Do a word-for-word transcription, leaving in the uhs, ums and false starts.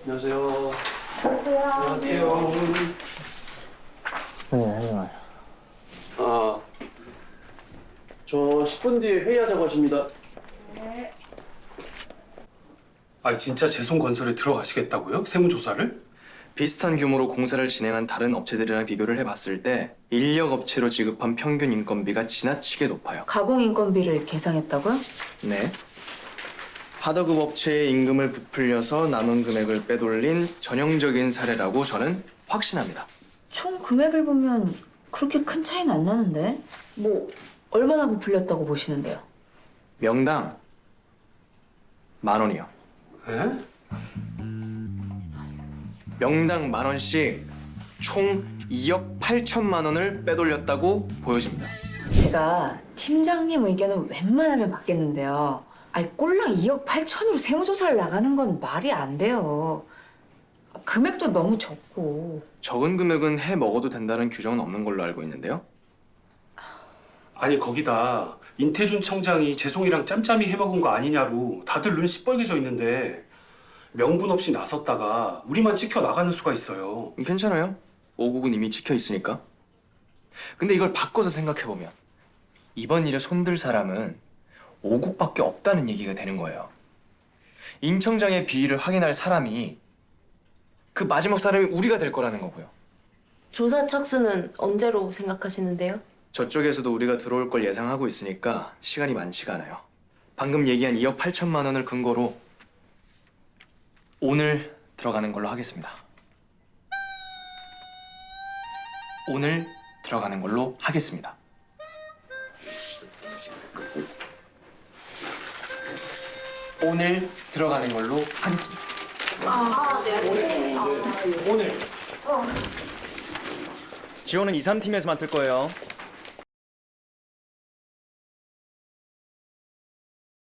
안녕하세요. 안녕하세요. 안녕하세요. 네, 하지 마요. 아, 저 십 분 뒤에 회의하자고 하십니다. 네. 아 진짜 재송건설에 들어가시겠다고요? 세무조사를? 비슷한 규모로 공사를 진행한 다른 업체들이랑 비교를 해봤을 때 인력 업체로 지급한 평균 인건비가 지나치게 높아요. 가공 인건비를 계상했다고요? 네. 하도급 업체의 임금을 부풀려서 남은 금액을 빼돌린 전형적인 사례라고 저는 확신합니다. 총 금액을 보면 그렇게 큰 차이는 안 나는데? 뭐 얼마나 부풀렸다고 보시는데요? 명당 만 원이요. 에? 명당 만 원씩 총 이억 팔천만 원을 빼돌렸다고 보여집니다. 제가 팀장님 의견은 웬만하면 받겠는데요. 아니 꼴랑 이억 팔천으로 세무조사를 나가는 건 말이 안 돼요. 금액도 너무 적고. 적은 금액은 해 먹어도 된다는 규정은 없는 걸로 알고 있는데요. 아니 거기다 인태준 청장이 재송이랑 짬짬이 해먹은 거 아니냐로 다들 눈 시뻘개져 있는데 명분 없이 나섰다가 우리만 찍혀 나가는 수가 있어요. 괜찮아요. 오국은 이미 찍혀 있으니까. 근데 이걸 바꿔서 생각해보면 이번 일에 손들 사람은 오국밖에 없다는 얘기가 되는 거예요. 임 청장의 비위를 확인할 사람이 그 마지막 사람이 우리가 될 거라는 거고요. 조사 착수는 언제로 생각하시는데요? 저쪽에서도 우리가 들어올 걸 예상하고 있으니까 시간이 많지가 않아요. 방금 얘기한 이억 팔천만 원을 근거로 오늘 들어가는 걸로 하겠습니다. 오늘 들어가는 걸로 하겠습니다. 오늘 들어가는 걸로 하겠습니다. 오늘. 지원은 이, 삼 팀에서 맡을 거예요.